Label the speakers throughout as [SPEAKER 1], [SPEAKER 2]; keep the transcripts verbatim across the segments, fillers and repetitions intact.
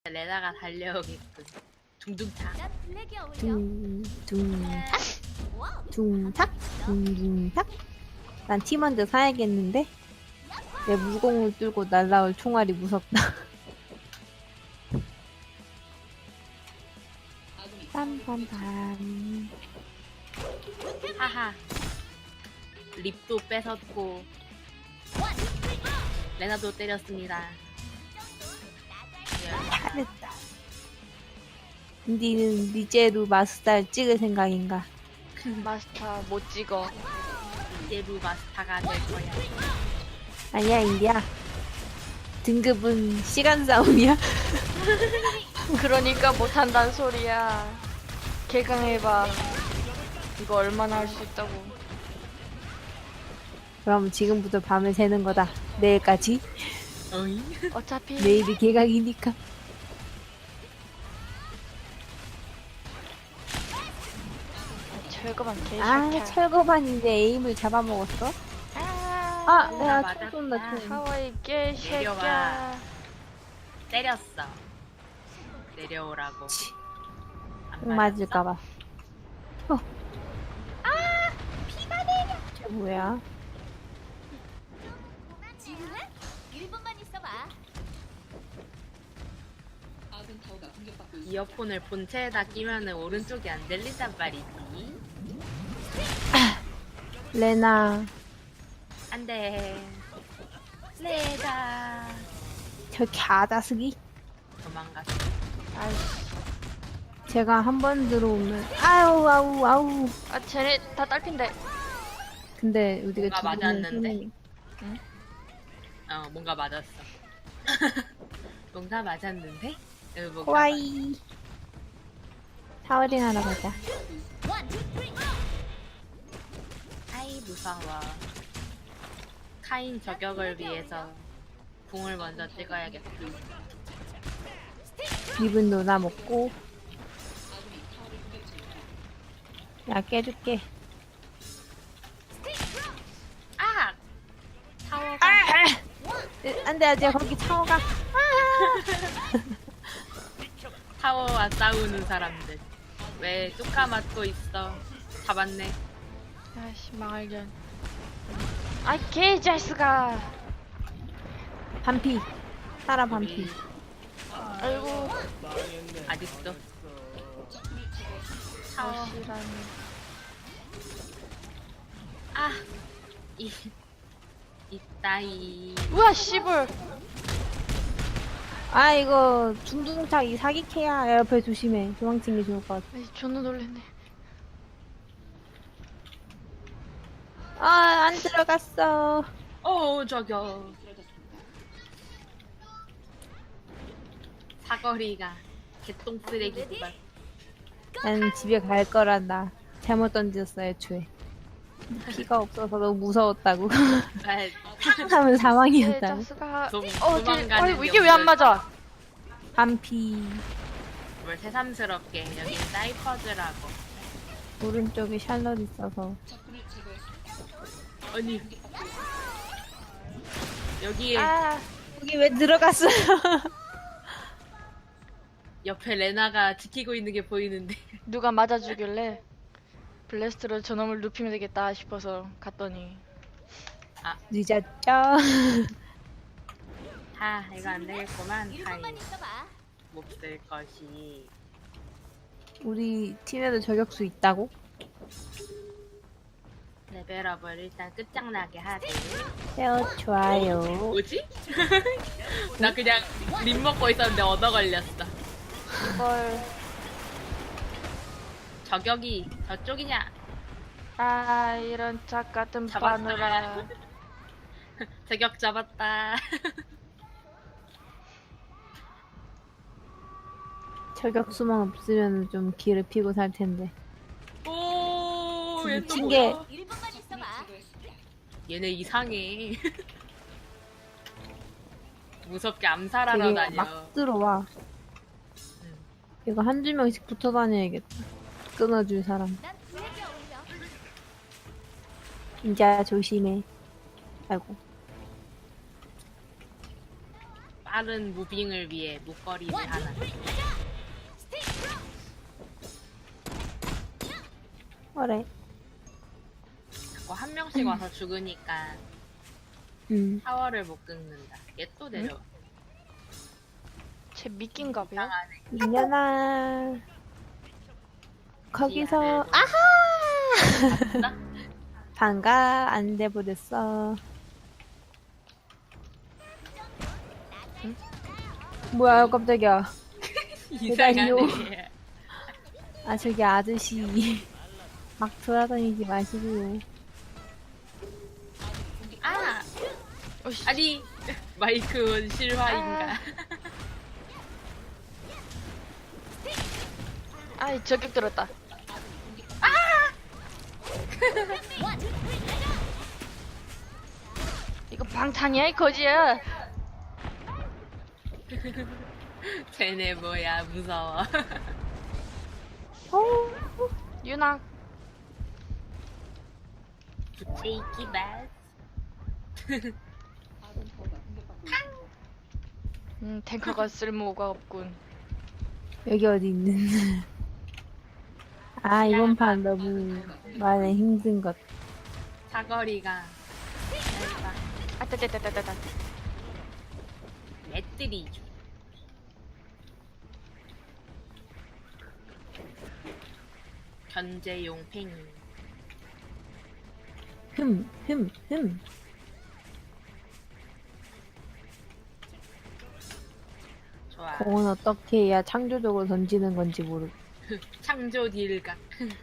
[SPEAKER 1] 레나가 달려오겠군. 둥둥차.
[SPEAKER 2] 둥, 둥탁, 둥탁, 둥둥탁. 난 티 먼저 사야겠는데? 내 무공을 뚫고 날라올 총알이 무섭다. 빰빰빰.
[SPEAKER 1] 하하. 립도 뺏었고 레나도 때렸습니다.
[SPEAKER 2] 잘했다. 니는 리제루 마스터를 찍을 생각인가?
[SPEAKER 3] 마스터 못 찍어.
[SPEAKER 1] 이제루 마스터가 될 거야.
[SPEAKER 2] 아니야, 인디야. 등급은 시간 싸움이야.
[SPEAKER 3] 그러니까 못한다는 소리야. 개강해봐. 이거 얼마나 할 수 있다고.
[SPEAKER 2] 그럼 지금부터 밤을 새는 거다. 내일까지.
[SPEAKER 1] 어이?
[SPEAKER 3] 어차피
[SPEAKER 2] 내일이 개강이니까.
[SPEAKER 3] 철거만
[SPEAKER 2] 아,
[SPEAKER 3] 개새끼야.
[SPEAKER 2] 철거반인데 에임을 잡아먹었어?
[SPEAKER 3] 아,
[SPEAKER 2] 아,
[SPEAKER 1] 어,
[SPEAKER 2] 내가
[SPEAKER 1] 맞았다.
[SPEAKER 2] 총 쏜다, 총.
[SPEAKER 3] 하와이 개새끼야.
[SPEAKER 1] 내려와. 때렸어. 내려오라고. 안
[SPEAKER 2] 총 맞을까봐. 어. 아! 피가 내려! 저 뭐야?
[SPEAKER 4] 지금은 일 분만 있어봐.
[SPEAKER 1] 이어폰을 본체에다 끼면은 오른쪽이 안 들린단 말이지.
[SPEAKER 2] 레나,
[SPEAKER 1] 안돼. 레나.
[SPEAKER 2] 저 갸다스기?
[SPEAKER 1] 도망갔어.
[SPEAKER 3] 아이씨.
[SPEAKER 2] 제가 한 번 들어오면, 아우, 아우, 아우.
[SPEAKER 3] 아, 쟤네 다 딸핀데.
[SPEAKER 2] 근데 우리가
[SPEAKER 1] 뭔가
[SPEAKER 2] 죽으면
[SPEAKER 1] 맞았는데?
[SPEAKER 2] 손해니-
[SPEAKER 1] 어 뭔가 맞았어. 뭔가 맞았는데? 어, 뭔가
[SPEAKER 2] 호와이. 타워링 하러 가자.
[SPEAKER 1] 아이 무서워. 카인 저격을 위해서 궁을 먼저 찍어야겠다.
[SPEAKER 2] 입은 노나 먹고. 야, 깨줄게.
[SPEAKER 1] 아! 타워가
[SPEAKER 2] 안 돼, 안 돼, 거기 타워가.
[SPEAKER 1] 타워와 싸우는 사람들. 왜 뚜까 맞고 있어? 잡았네.
[SPEAKER 3] 아이씨, 망할견. 아, 개자스가.
[SPEAKER 2] 반피. 사라 반피.
[SPEAKER 3] 아이고.
[SPEAKER 1] 아직도. 타워.
[SPEAKER 3] 아시라니.
[SPEAKER 1] 아! 이, 이따이.
[SPEAKER 3] 우와, 씨불.
[SPEAKER 2] 아, 이거 중둥탁 이 사기캐야. 야, 옆에 조심해. 도망치는 게 좋을 것 같아.
[SPEAKER 3] 아이, 존나 놀랬네.
[SPEAKER 2] 아, 안 들어갔어.
[SPEAKER 1] 어, 저겨. 사거리가 개똥 쓰레기구만.
[SPEAKER 2] 난 집에 갈 거란다. 잘못 던졌어, 애초에. 피가 없어서 너무 무서웠다고. 하면 사망이었다고.
[SPEAKER 3] 개자스가.
[SPEAKER 1] 도-
[SPEAKER 3] 어, 쟤,
[SPEAKER 1] 도망가는
[SPEAKER 3] 아이고, 이게 왜 안 맞아?
[SPEAKER 2] 반피.
[SPEAKER 1] 뭘 새삼스럽게 여긴 사이퍼즈라고.
[SPEAKER 2] 오른쪽에 샬럿 있어서.
[SPEAKER 1] 아니 여기에
[SPEAKER 3] 아,
[SPEAKER 2] 여기 왜 들어갔어요?
[SPEAKER 1] 옆에 레나가 지키고 있는 게 보이는데.
[SPEAKER 3] 누가 맞아주길래 블래스트로 저놈을 눕히면 되겠다 싶어서 갔더니
[SPEAKER 2] 늦었죠?
[SPEAKER 1] 아 이거 안 되겠구만.
[SPEAKER 4] 일
[SPEAKER 1] 타임
[SPEAKER 4] 분만 있어봐.
[SPEAKER 1] 몹쓸 것이.
[SPEAKER 2] 우리 팀에도 저격수 있다고?
[SPEAKER 1] 레벨업을 일단 끝장나게 하지.
[SPEAKER 2] 세어 좋아요.
[SPEAKER 1] 뭐지? 나 그냥 립 먹고 있었는데 얻어 걸렸어.
[SPEAKER 3] 이걸
[SPEAKER 1] 저격이 저쪽이냐?
[SPEAKER 3] 아 이런 짝 같은
[SPEAKER 1] 잡았다.
[SPEAKER 3] 바누라.
[SPEAKER 1] 저격 잡았다.
[SPEAKER 2] 저격수만 없으면 좀 기를 피고 살 텐데.
[SPEAKER 1] 오, 얘 또
[SPEAKER 2] 미친 게-
[SPEAKER 1] 뭐야?
[SPEAKER 4] 일 분만 있어봐.
[SPEAKER 1] 얘네 이상해. 무섭게 암살하러
[SPEAKER 2] 되게
[SPEAKER 1] 다녀.
[SPEAKER 2] 막 들어와.
[SPEAKER 1] 응.
[SPEAKER 2] 이거 한두 명씩 붙어 다녀야겠다. 끊어줄 사람.
[SPEAKER 4] 난 블랙이 어울려.
[SPEAKER 2] 진짜 조심해. 아이고.
[SPEAKER 1] 빠른 무빙을 위해 목걸이를 하나.
[SPEAKER 2] 그래.
[SPEAKER 1] 자꾸 한 명씩 와서 죽으니까
[SPEAKER 2] 음.
[SPEAKER 1] 타워를 못 끊는다. 얘 또 내려.
[SPEAKER 3] 쟤 미끼인가 봐요.
[SPEAKER 2] 이년아. 거기서
[SPEAKER 1] 아!
[SPEAKER 2] 아하. 반가 안 돼버렸어. 응? 뭐야 깜짝이야.
[SPEAKER 1] 이상하네.
[SPEAKER 2] 아 저기 아저씨 막 돌아다니지 마시고요.
[SPEAKER 1] 아!
[SPEAKER 3] 어이씨.
[SPEAKER 1] 아니 마이크 원 실화인가?
[SPEAKER 3] 아이 저격 들었다. 이거 방탄이야 이 거지야.
[SPEAKER 1] 쟤네 뭐야 무서워.
[SPEAKER 2] 어?
[SPEAKER 3] 유나.
[SPEAKER 1] 부채이키 맛.
[SPEAKER 3] 음 탱커가 쓸모가 없군.
[SPEAKER 2] 여기 어디 있는? 아 이번 판 너무 많이 힘든 것.
[SPEAKER 1] 사거리가 짧아.
[SPEAKER 3] 아따따따따따.
[SPEAKER 1] 맷들이죠. 견제용 팽이.
[SPEAKER 2] 흠, 흠, 흠.
[SPEAKER 1] 좋아.
[SPEAKER 2] 공은 어떻게 해야 창조적으로 던지는 건지 모르.
[SPEAKER 1] 창조 딜각.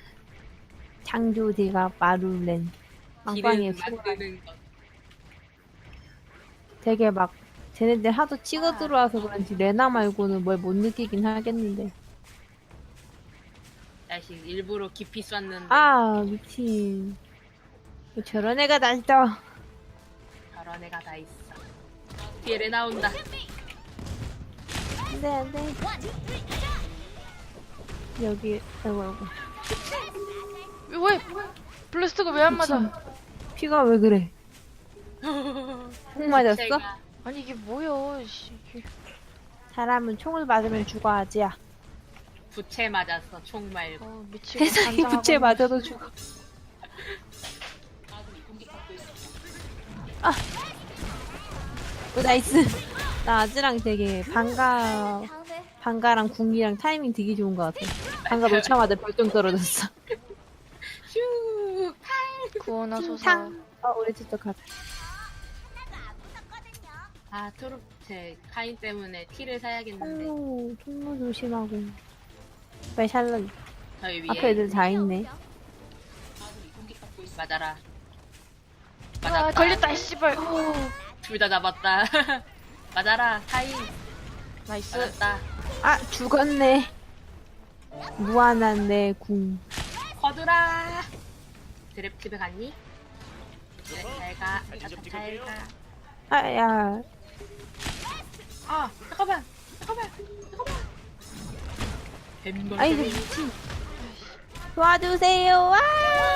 [SPEAKER 2] 창조디가 마룰렌. 빵빵이에
[SPEAKER 1] 딜은
[SPEAKER 2] 수고.
[SPEAKER 1] 만드는 것.
[SPEAKER 2] 되게 막 쟤네들 하도 치고 들어와서 그런지 레나 말고는 뭘 못 느끼긴 하겠는데.
[SPEAKER 1] 자식 일부러 깊이 쐈는데
[SPEAKER 2] 아 미친. 왜 저런 애가 다 있어.
[SPEAKER 1] 저런 애가 다 있어. 뒤에 레 나온다.
[SPEAKER 2] 안돼 안돼. 여기 아이고 아이고.
[SPEAKER 3] 왜 블래스트가 왜 안 맞아?
[SPEAKER 2] 미친. 피가 왜 그래? 총 맞았어?
[SPEAKER 1] 제가
[SPEAKER 3] 아니 이게 뭐야? 씨. 이게-
[SPEAKER 2] 사람은 총을 맞으면 죽어야지야.
[SPEAKER 1] 부채 맞았어. 총 말고.
[SPEAKER 3] 어, 미치고
[SPEAKER 2] 세상에
[SPEAKER 3] 간장하고
[SPEAKER 2] 부채 맞아도 죽어. 아, 오 나이스. 나 아즈랑 되게 반가
[SPEAKER 4] 다음에
[SPEAKER 2] 반가랑 궁이랑 타이밍 되게 좋은 것 같아. 반가 놓자마자 별똥 떨어졌어.
[SPEAKER 1] 휴.
[SPEAKER 3] 구원하 소서.
[SPEAKER 2] 탕. 어 우리 집도 가자.
[SPEAKER 1] 아 트루 제 카인 때문에 티를 사야겠는데.
[SPEAKER 2] 통로 통로 조심하고. 왜 샬럿?
[SPEAKER 1] 저희 위에
[SPEAKER 2] 앞에 애들 다 있네.
[SPEAKER 1] 맞아라.
[SPEAKER 3] 아
[SPEAKER 1] 맞았다.
[SPEAKER 3] 걸렸다 이 씨발.
[SPEAKER 1] 둘 다 잡았다. 맞아라. 카인
[SPEAKER 3] 나이스.
[SPEAKER 1] 맞았다.
[SPEAKER 2] 아 죽었네. 무한한 내 궁.
[SPEAKER 1] 거두라. 드랩 집에 갔니? 드랩 잘 가. 잘 가.
[SPEAKER 2] 아야.
[SPEAKER 1] 아 잠깐만. 잠깐만. 잠깐만. 햄버거.
[SPEAKER 2] 아이고 미친. 도와주세요. 와.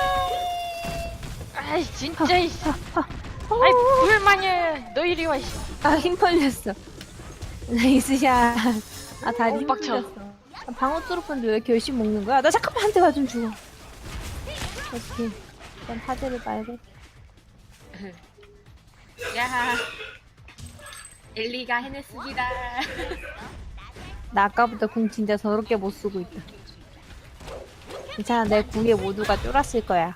[SPEAKER 3] 아이 진짜 이 씨.
[SPEAKER 2] 아,
[SPEAKER 3] 아이 불만이야. 너 이리 와 이 씨.
[SPEAKER 2] 아, 힘 풀렸어. 나이스 샷. 아, 다리
[SPEAKER 3] 어,
[SPEAKER 2] 힘
[SPEAKER 3] 빡쳐.
[SPEAKER 2] 풀렸어. 아, 방어 뚫었는데 왜 이렇게 열심히 먹는 거야? 나 잠깐만 한 대 맞으면 죽어. 어떻게. 일단 파제를 빨고.
[SPEAKER 1] 야. 엘리가 해냈습니다.
[SPEAKER 2] 나 아까부터 궁 진짜 더럽게 못 쓰고 있다. 괜찮아, 내 궁에 모두가 쫄았을 거야.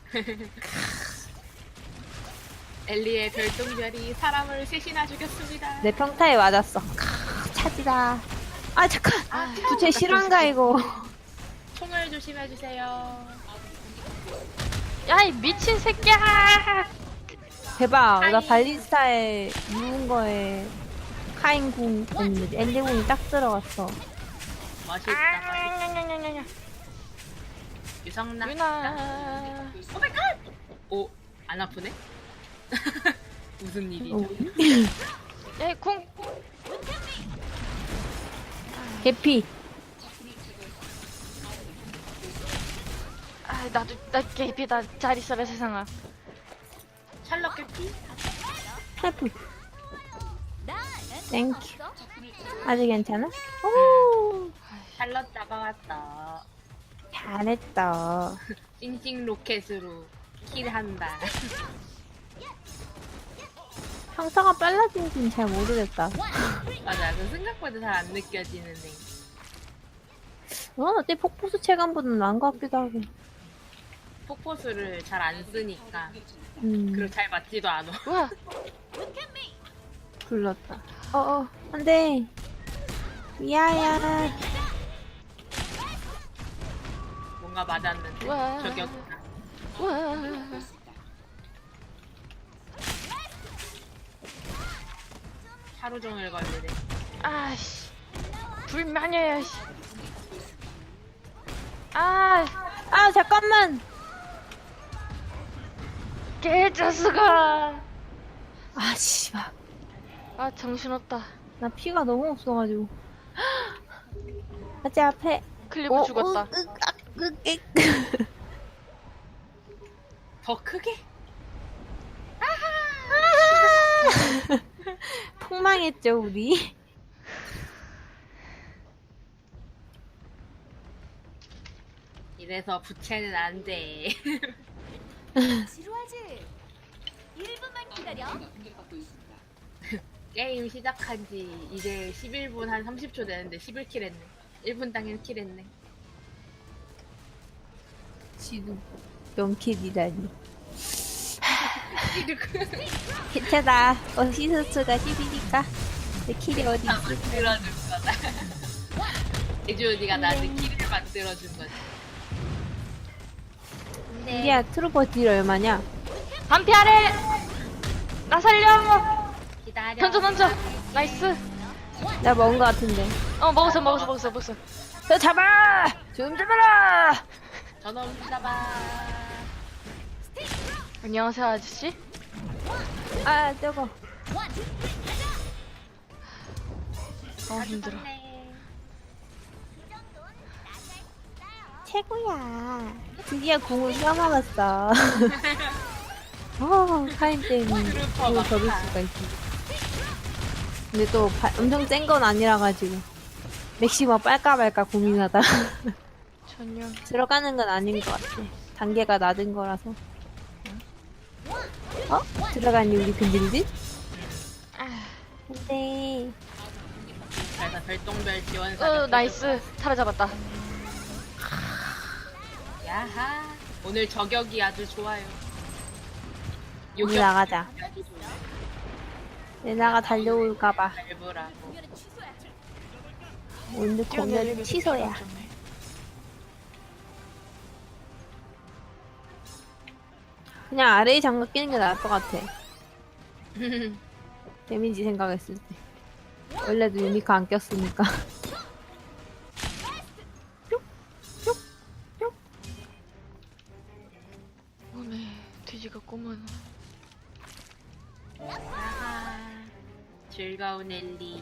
[SPEAKER 1] 엘리의 별똥별이 사람을 셋이나 죽였습니다.
[SPEAKER 2] 내 평타에 맞았어. 캬, 차지다. 아, 잠깐!
[SPEAKER 1] 아,
[SPEAKER 2] 부채 실화인가, 이거?
[SPEAKER 1] 총을 조심해주세요.
[SPEAKER 3] 야 이 미친 새끼야.
[SPEAKER 2] 대박. 나
[SPEAKER 1] 아이.
[SPEAKER 2] 발리스타에 누운 거에 카인 궁, 아니, 엘리 궁이 딱 들어갔어.
[SPEAKER 1] 멋있다.
[SPEAKER 3] 아, 냐냐냐냐냐.
[SPEAKER 1] 유성나.
[SPEAKER 3] 유나.
[SPEAKER 1] 오마이갓! 오, 안 아프네? 무슨 일이죠?
[SPEAKER 2] 어.
[SPEAKER 3] 야이 궁.
[SPEAKER 2] 개피.
[SPEAKER 3] 아 나도 나 개피다. 잘 있어라 세상아.
[SPEAKER 1] 샬럿 개피?
[SPEAKER 2] 헬프.
[SPEAKER 4] 나는
[SPEAKER 2] 땡큐. 아직 괜찮아? 오,
[SPEAKER 1] 샬럿 잡아왔다.
[SPEAKER 2] 잘했다.
[SPEAKER 1] 찡찡 로켓으로 킬한다.
[SPEAKER 2] 평타가 빨라진지는 잘 모르겠다.
[SPEAKER 1] 맞아, 그 생각보다 잘 안 느껴지는데.
[SPEAKER 2] 어, 어때 폭포수 체감보다는 나은 것 같기도 하고.
[SPEAKER 1] 폭포수를 잘 안 쓰니까.
[SPEAKER 2] 음,
[SPEAKER 1] 그리고 잘 맞지도 않아.
[SPEAKER 3] 우와.
[SPEAKER 2] 불렀다. 어어, 안 돼. 미아야.
[SPEAKER 1] 뭔가 맞았는데.
[SPEAKER 3] 우와.
[SPEAKER 1] 저격이다.
[SPEAKER 3] 우와.
[SPEAKER 1] 하루 종일 걸리네.
[SPEAKER 3] 아씨. 불만이야, 씨. 아,
[SPEAKER 2] 아, 잠깐만.
[SPEAKER 3] 개자스가.
[SPEAKER 2] 아, 씨발.
[SPEAKER 3] 아, 정신없다.
[SPEAKER 2] 나 피가 너무 없어가지고. 아재 앞에.
[SPEAKER 3] 클리브 죽었다.
[SPEAKER 2] 으, 으, 아, 으, 으.
[SPEAKER 1] 더 크게?
[SPEAKER 2] 폭망했죠, 우리.
[SPEAKER 1] 이래서 부채는 안 돼.
[SPEAKER 4] 지루하지? 일 분만 기다려.
[SPEAKER 1] 게임 시작한 지 이제 십일 분 한 삼십 초 되는데 십일 킬 했네. 일 분 당일 킬 했네.
[SPEAKER 2] 지금 명킬이라니. 괜찮아. 어시스트가 십이니까 내 킬이 어디 있어?
[SPEAKER 1] 만들어준 거다. 예주언니가 나한테 킬을 만들어준 거지. 근데
[SPEAKER 2] 우리야 트루퍼 딜 얼마냐?
[SPEAKER 3] 반피하래. 나 살려.
[SPEAKER 1] 기다려.
[SPEAKER 3] 던져 던져. 나이스.
[SPEAKER 2] 나 먹은 거 같은데.
[SPEAKER 3] 어, 먹었어 먹었어 먹었어 먹었어.
[SPEAKER 2] 저 잡아! 좀 잡아라!
[SPEAKER 1] 저놈 잡아.
[SPEAKER 3] 안녕하세요 아저씨.
[SPEAKER 2] 아 저거.
[SPEAKER 3] 어 힘들어.
[SPEAKER 2] 최고야. 드디어 궁을 껴먹었어. 어, 타임 때문에
[SPEAKER 1] 트루퍼
[SPEAKER 2] 궁을 접을
[SPEAKER 1] 막타.
[SPEAKER 2] 수가 있어. 근데 또 바- 엄청 센 건 아니라가지고 맥시머 빨까 말까 고민하다.
[SPEAKER 3] 전혀.
[SPEAKER 2] 들어가는 건 아닌 것 같아. 단계가 낮은 거라서. 어? 들어가니 우리 근질질? 근데
[SPEAKER 1] 그래서 별똥별 지원사.
[SPEAKER 3] 어 나이스. 사라잡았다.
[SPEAKER 1] 야하. 오늘 저격이 아주 좋아요.
[SPEAKER 2] 우리 나가자. 레나가 달려올까봐.
[SPEAKER 1] 밟으라고.
[SPEAKER 2] 오늘 공연은 취소야. 그냥 아래에 장갑 끼는 게 나을 것 같아. 데미지 생각했을 때. 원래도 유니크 안 꼈으니까.
[SPEAKER 3] 오메 돼지가 꼬만.
[SPEAKER 1] 야하. 즐거운 엘리.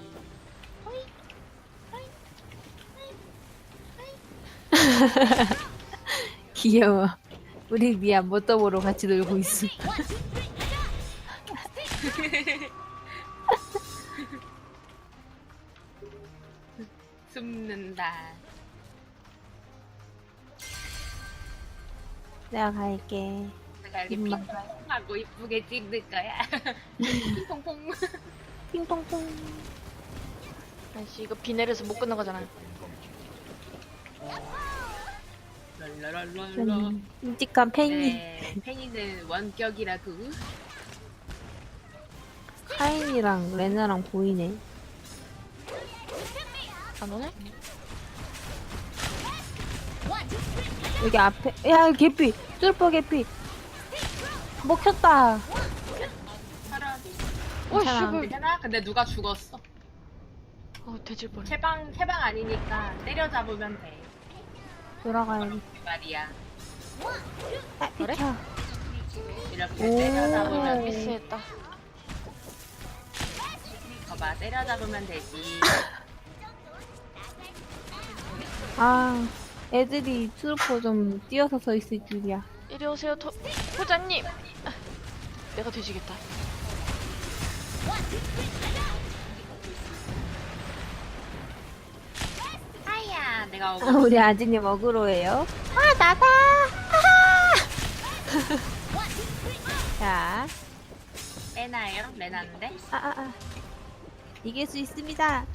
[SPEAKER 2] 귀여워. 우리 미아 모터보로 같이 놀고 있어.
[SPEAKER 1] 숨는다.
[SPEAKER 2] 내가 갈게.
[SPEAKER 1] 내가 이렇게
[SPEAKER 2] 입만.
[SPEAKER 1] 핑퐁하고 이쁘게 찍는 거야. 핑퐁퐁.
[SPEAKER 2] 핑퐁퐁.
[SPEAKER 3] 아이씨 이거 비 내려서 못 끝나가잖아.
[SPEAKER 1] 랄라랄랄라.
[SPEAKER 2] 좀 끔찍한 팽이.
[SPEAKER 1] 네, 팽이는 원격이라고.
[SPEAKER 2] 카인이랑 레나랑 보이네.
[SPEAKER 3] 안 오네?
[SPEAKER 2] 여기 앞에. 야, 개피! 뚫퍼 개피! 먹혔다!
[SPEAKER 1] 사람.
[SPEAKER 3] 오
[SPEAKER 2] 괜찮아.
[SPEAKER 3] 씨발.
[SPEAKER 1] 괜찮아? 근데 누가 죽었어?
[SPEAKER 3] 어 돼질 뻔.
[SPEAKER 1] 해방, 해방 아니니까 때려잡으면 돼.
[SPEAKER 2] 돌아가야지.
[SPEAKER 1] 그 말이야.
[SPEAKER 2] 아,
[SPEAKER 3] 그래?
[SPEAKER 2] 비켜.
[SPEAKER 1] 이렇게
[SPEAKER 2] 오.
[SPEAKER 1] 때려잡으면 돼.
[SPEAKER 3] 미스했다.
[SPEAKER 1] 봐봐, 때려잡으면 되지.
[SPEAKER 2] 아, 애들이 트루퍼 좀 뛰어서 서 있을 줄이야.
[SPEAKER 3] 이리 오세요 도, 호자님. 아, 내가 돼지겠다.
[SPEAKER 1] 내가
[SPEAKER 2] 아,
[SPEAKER 1] 오고
[SPEAKER 2] 우리 아지님 어그로예요. 아, 나다! 자,
[SPEAKER 1] 빼나요? 레나인데?
[SPEAKER 2] 아, 아, 아. 이길 수 있습니다.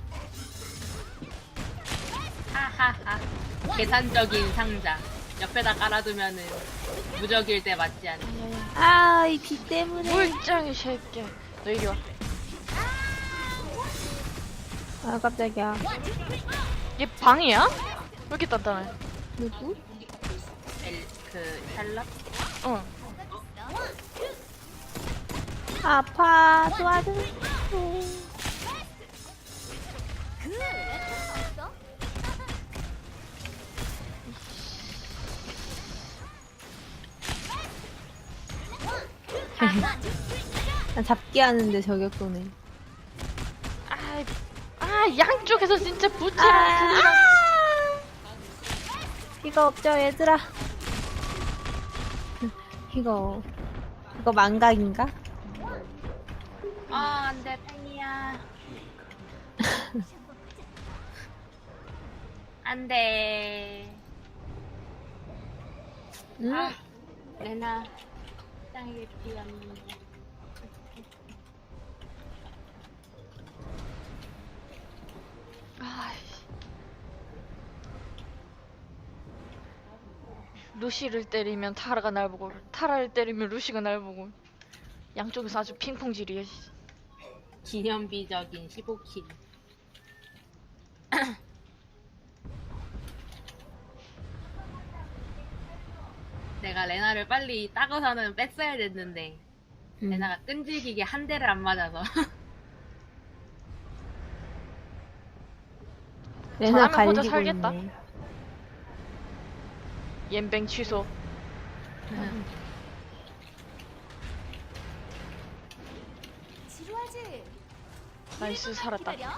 [SPEAKER 1] 하하하. 계산적인 상자. 옆에다 깔아두면은 무적일 때 맞지 않니?
[SPEAKER 2] 아, 이 비 때문에.
[SPEAKER 3] 물장이 새끼. 너 이리 와.
[SPEAKER 2] 아, 깜짝이야.
[SPEAKER 3] 얘 방이야? 왜 이렇게 단단해?
[SPEAKER 2] 누구?
[SPEAKER 1] 엘, 그 샬럿?
[SPEAKER 3] 응.
[SPEAKER 2] 아파, 도와줘. 난 잡기 하는데 저격 쏘네.
[SPEAKER 3] 아, 아 양쪽에서 진짜 붙이라.
[SPEAKER 2] 아, 이거 없죠, 얘들아. 이거, 이거 망각인가?
[SPEAKER 1] 아, 안 돼, 팽이야. 안 돼.
[SPEAKER 2] 응?
[SPEAKER 1] 아, 레나. 짱이 피었는데.
[SPEAKER 3] 아이씨. 루시를 때리면 타라가 날 보고, 타라를 때리면 루시가 날 보고, 양쪽에서 아주 핑퐁질이야. 씨.
[SPEAKER 1] 기념비적인 십오 킬. 내가 레나를 빨리 따고서는 뺐어야 됐는데
[SPEAKER 2] 음.
[SPEAKER 1] 레나가 끈질기게 한 대를 안 맞아서.
[SPEAKER 2] 레나
[SPEAKER 3] 잘하면 혼자
[SPEAKER 2] 갈리고
[SPEAKER 3] 살겠다.
[SPEAKER 2] 있네.
[SPEAKER 3] 옌뱅 취소.
[SPEAKER 4] 지루하지?
[SPEAKER 3] 나이스, 살았다.
[SPEAKER 4] 기다려.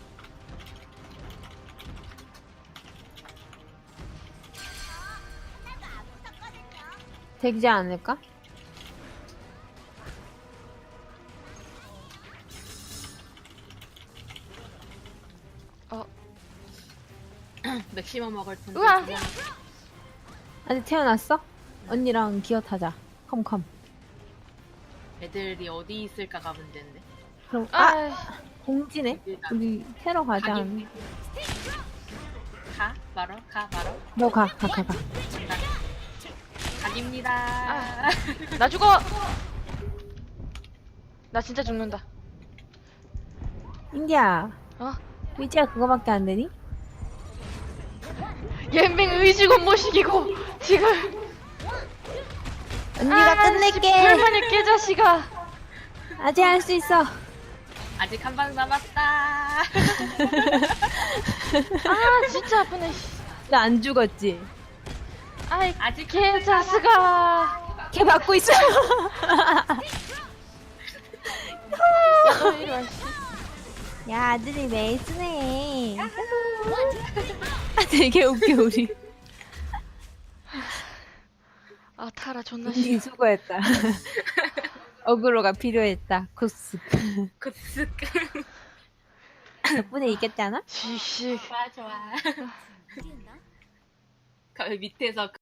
[SPEAKER 2] 되지 않을까?
[SPEAKER 3] 어,
[SPEAKER 1] 맥시멈 먹을 텐데.
[SPEAKER 3] 우와!
[SPEAKER 1] 그냥
[SPEAKER 2] 아직 태어났어? 언니랑 기어 타자. 컴컴.
[SPEAKER 1] 애들이 어디 있을까가 문제인데.
[SPEAKER 2] 그럼 아,
[SPEAKER 3] 아,
[SPEAKER 2] 공지네. 우리 테러 가자.
[SPEAKER 1] 가기. 가? 말어? 가? 말어?
[SPEAKER 2] 너 가, 가, 가, 가.
[SPEAKER 1] 간다. 각입니다.
[SPEAKER 3] 아. 나 죽어! 나 진짜 죽는다.
[SPEAKER 2] 인디야,
[SPEAKER 3] 어?
[SPEAKER 2] 의지가 그거밖에 안 되니?
[SPEAKER 3] 옌뱅 의지군 모시기고, 지금.
[SPEAKER 2] 언니가
[SPEAKER 3] 아,
[SPEAKER 2] 끝낼게.
[SPEAKER 3] 불만의 깨자식아.
[SPEAKER 2] 아직 할 수 있어.
[SPEAKER 1] 아직 한 방 남았다.
[SPEAKER 3] 아, 진짜 아프네. 씨.
[SPEAKER 2] 나 안 죽었지?
[SPEAKER 3] 아이,
[SPEAKER 1] 아직
[SPEAKER 3] 개자식아.
[SPEAKER 2] 걔 받고 있어.
[SPEAKER 3] 야, 너 이리 와, 씨.
[SPEAKER 2] 야, 아들이 메이스네. 아, 되게 웃겨, 우리.
[SPEAKER 3] 아, 타라 존나
[SPEAKER 2] 이
[SPEAKER 3] 싫어.
[SPEAKER 2] 수고했다. 어그로가 필요했다. 코스.
[SPEAKER 1] 굿스.
[SPEAKER 2] 덕분에 이겼잖아?
[SPEAKER 3] 지식.
[SPEAKER 1] 좋아 좋아.
[SPEAKER 4] 어디였나?
[SPEAKER 1] 그 밑에서